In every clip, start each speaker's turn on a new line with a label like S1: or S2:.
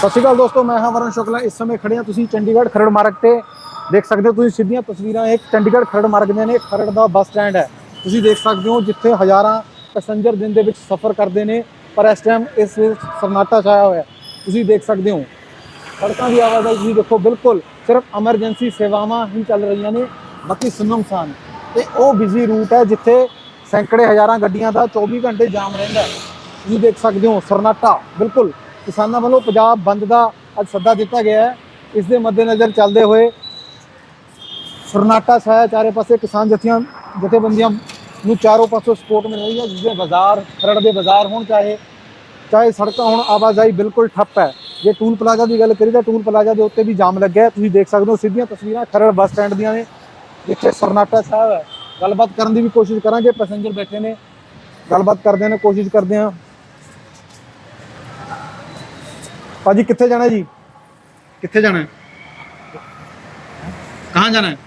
S1: सत श्री अकाल दोस्तों, मैं हाँ वरुण शुक्ला। इस समय खड़े हैं तुसीं चंडीगढ़ खरड़ मार्ग ते देख सकते हो। तुसीं सीधियां तस्वीरां एक चंडीगढ़ खरड़ मार्ग ਦੀਆਂ ਨੇ। खरड़ ਦਾ ਬੱਸ ਸਟੈਂਡ है, तुसीं देख सकते हो जिथे हज़ारां पैसेंजर दिन ਦੇ ਵਿੱਚ सफ़र करते हैं, पर इस टाइम इस सन्नाटा छाया हुआ है। तुसीं देख सकते हो सड़कों की आवाजाही तुसीं देखो, बिल्कुल सिर्फ एमरजेंसी सेवावां ही चल रही ने, बाकी सुनमसान। ते ਉਹ बिजी रूट है जिथे सैकड़े हज़ारां ਗੱਡੀਆਂ ਦਾ 24 घंटे जाम ਰਹਿੰਦਾ। तुसीं देख सकते हो सन्नाटा बिल्कुल। किसानों वालों पंजाब बंद का अज सद्दा दिता गया है। इस दे मद्देनज़र चलते हुए सन्नाटा छाया चारे पासे। किसान जथेबंदियां नूं चारों पासों सपोर्ट मिल रही है, जिसमें बाजार खरड़ के बाजार हो चाहे सड़क हो, आवाजाही बिल्कुल ठप्प है। जे टूल प्लाजा की गल करिए तो टूल प्लाजा के उत्ते भी जाम लग्या है। तुसीं देख सकते हो सीधियां तस्वीरां खरड़ बस स्टैंड दियां ने, जिथे सन्नाटा छाया हुआ है। गलबात करने की भी कोशिश करांगे, पैसेंजर बैठे ने, गलबात करते हैं, कोशिश करते हैं। भाजी कितने जाना है जी? कितने जाना है? कहाँ जाना है?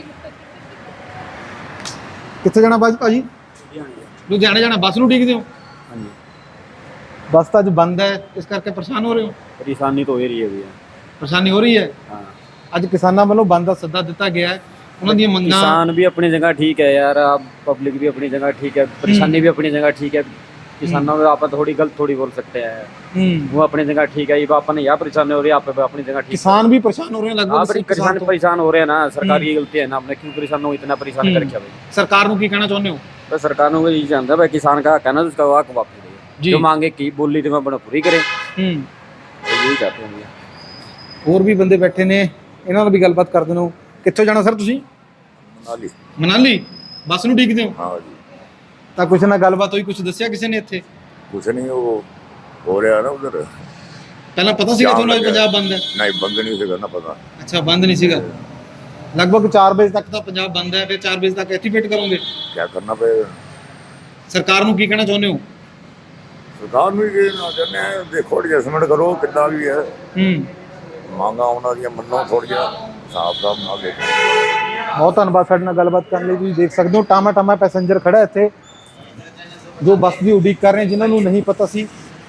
S1: कितने जाना भाजी? लुधियाने जाना। बस नूं उडीकदे हो? बस तो अज बंद है, इस करके परेशान हो रहे हो?
S2: परेशानी तो हो रही है भैया,
S1: परेशानी हो रही है। अज किसानों वालों बंद का सद्दा दिता गया है। उन्हां दी मंगां,
S2: किसान भी अपनी जगह ठीक है यार, आप पब्लिक भी अपनी जगह ठीक है, परेशानी भी अपनी जगह ठीक है। किसानों में आप थोड़ी गलत थोड़ी बोल सकते हैं, वो अपनी जगह ठीक है। ये अपन यहाँ परेशानी हो रही है, आप अपनी जगह ठीक।
S1: किसान भी परेशान हो रहे हैं लगभग।
S2: परेशान हो रहे हैं ना, सरकार की गलती है ना, अपने क्यों परेशान हो, इतना परेशान कर रखा भाई।
S1: सरकार को की कहना चाहते हो?
S2: तो सरकार को यही चाहता है भाई, किसान का कहना तो उसका वाक वापस दे, जो मांगे की बोली तो मैं अपना पूरी करे, यही चाहते हैं भैया।
S1: और भी बंदे बैठे ने, इन्हां नाल भी गलबात कर देनो। कित्थों जाना सर तुसीं?
S2: मनाली।
S1: मनाली बस नूं उडीकदे हो?
S2: हाँ जी।
S1: ਤਾਂ ਕੁਛ ਨਾ ਗੱਲਬਾਤ ਹੋਈ, ਕੁਛ ਦੱਸਿਆ ਕਿਸੇ ਨੇ ਇੱਥੇ?
S3: कुछ नहीं, वो हो रहा है ना उधर।
S1: ਪਹਿਲਾਂ ਪਤਾ ਸੀਗਾ ਤੁਹਾਨੂੰ ਅੱਜ ਪੰਜਾਬ ਬੰਦ ਹੈ?
S3: नहीं, बंद नहीं से करना पता।
S1: ਅੱਛਾ, ਬੰਦ ਨਹੀਂ ਸੀਗਾ। ਲਗਭਗ 4 ਵਜੇ ਤੱਕ ਤਾਂ ਪੰਜਾਬ ਬੰਦ ਹੈ, ਫਿਰ 4 ਵਜੇ ਤੱਕ ਇੱਥੇ ਵੇਟ ਕਰੋਗੇ?
S3: क्या करना पड़ेगा?
S1: ਸਰਕਾਰ ਨੂੰ ਕੀ ਕਹਿਣਾ ਚਾਹੁੰਦੇ ਹੋ?
S3: सरकार भी ये ना चाहते हैं, देखो एडजस्टमेंट करो कितना भी है, मांगा उन्होंने मनो थोड़ी हिसाब का ना देखो।
S1: बहुत धन्यवाद ਸਾਡੇ ਨਾਲ ਗੱਲਬਾਤ ਕਰਨ ਲਈ। ਤੁਸੀਂ ਦੇਖ ਸਕਦੇ ਹੋ ਟਾਮਾ ਟਾਮਾ ਪੈਸੇਂਜਰ ਖੜਾ ਇੱਥੇ, जो बस की उड़ीक कर रहे हैं, जिन्होंने नहीं पता सी।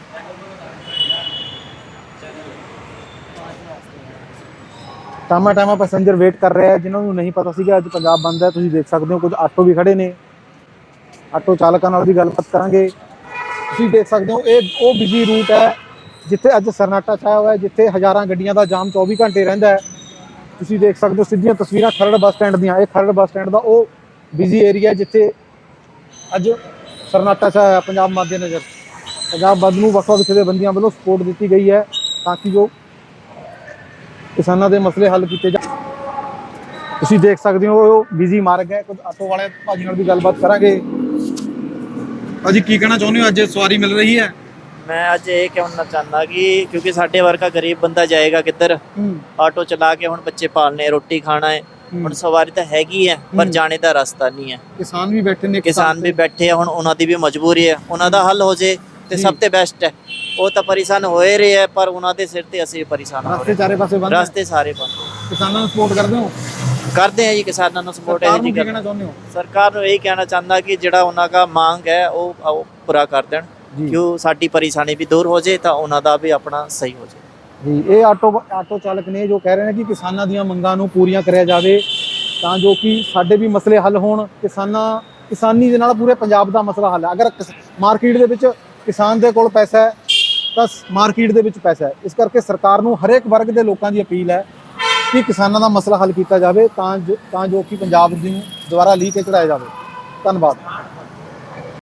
S1: टामा टामा पैसेंजर वेट कर रहे हैं, जिन्होंने नहीं पता सी कि अज पंजाब बंद है। तुसीं देख सकते हो कुछ आटो भी खड़े ने, आटो चालकों नाल भी गलबात करांगे। तुसीं देख सकते हो ये वो बिजी रूट है जिथे अज सन्नाटा छाया हुआ है, जिथे हज़ारां गड्डियां दा जाम 24 घंटे रहिंदा है। तुसीं देख सकते हो सीधियां तस्वीरां खरड़ बस स्टैंड दियां। ये खरड़ बस स्टैंड का वो बिजी एरिया जिथे अज सन्नाटा छाया पंजाब मद्देनज़र। पंजाब बंद नूं वख-वख जथेबंदियां वालों सपोर्ट दी गई है ताकि जो किसानों के मसले हल किए जा। तुसीं देख सकते हो बिजी मार्ग है। कुछ आटो वाले भाजी नाल भी गलबात करांगे। भाजी की कहना चाहुंदे हो, अज सवारी मिल रही है?
S4: मैं अज ये कहना चाहता कि क्योंकि साढ़े वर्गा गरीब बंदा जाएगा किधर, आटो चला के हुण बच्चे पालने, रोटी खाना है, हुण सवारी तो हैगी है पर जाने का रास्ता नहीं है।
S1: किसान भी बैठे ने,
S4: किसान भी बैठे हैं, हुण उन्हां दी भी मजबूरी है, उन्हां दा हल हो जे ते सब ते बेस्ट है। वो तो परेशान होए रहे हैं, पर उन्हां दे सिर ते असीं भी परेशान हो
S1: रास्ते
S4: रहे।
S1: चारे पासे बंद,
S4: रास्ते सारे बंद।
S1: किसानों को सपोर्ट करदे हो?
S4: करते हैं जी, किसानों को सपोर्ट है जी।
S1: कहना चाहुंदे हो?
S4: सरकार नूं यही कहना चाहता कि जिहड़ा उन्हां का मांग है वो पूरा कर देण, क्यों साडी परेशानी भी दूर हो जाए तो उन्हां दा भी अपना सही हो जाए
S1: जी। ये आटो चालक ने जो कह रहे हैं कि किसानों ਦੀਆਂ ਮੰਗਾਂ ਨੂੰ ਪੂਰੀਆਂ ਕਰਿਆ ਜਾਵੇ ਤਾਂ ਜੋ कि ਸਾਡੇ ਵੀ ਮਸਲੇ ਹੱਲ ਹੋਣ। किसानी ਦੇ ਨਾਲ ਪੂਰੇ ਪੰਜਾਬ ਦਾ ਮਸਲਾ ਹੱਲ ਹੈ। अगर ਮਾਰਕੀਟ ਦੇ ਵਿੱਚ किसान ਦੇ ਕੋਲ ਪੈਸਾ ਹੈ ਤਾਂ ਮਾਰਕੀਟ ਦੇ ਵਿੱਚ ਪੈਸਾ ਹੈ। ਇਸ ਕਰਕੇ ਸਰਕਾਰ ਨੂੰ ਹਰੇਕ ਵਰਗ ਦੇ ਲੋਕਾਂ ਦੀ ਅਪੀਲ ਹੈ ਕਿ ਕਿਸਾਨਾਂ ਦਾ ਮਸਲਾ ਹੱਲ ਕੀਤਾ ਜਾਵੇ ਤਾਂ ਜੋ ਕਿ ਪੰਜਾਬ ਨੂੰ ਦੁਬਾਰਾ ਲੀਹ ਕੇ ਚੜਾਇਆ ਜਾਵੇ। ਧੰਨਵਾਦ।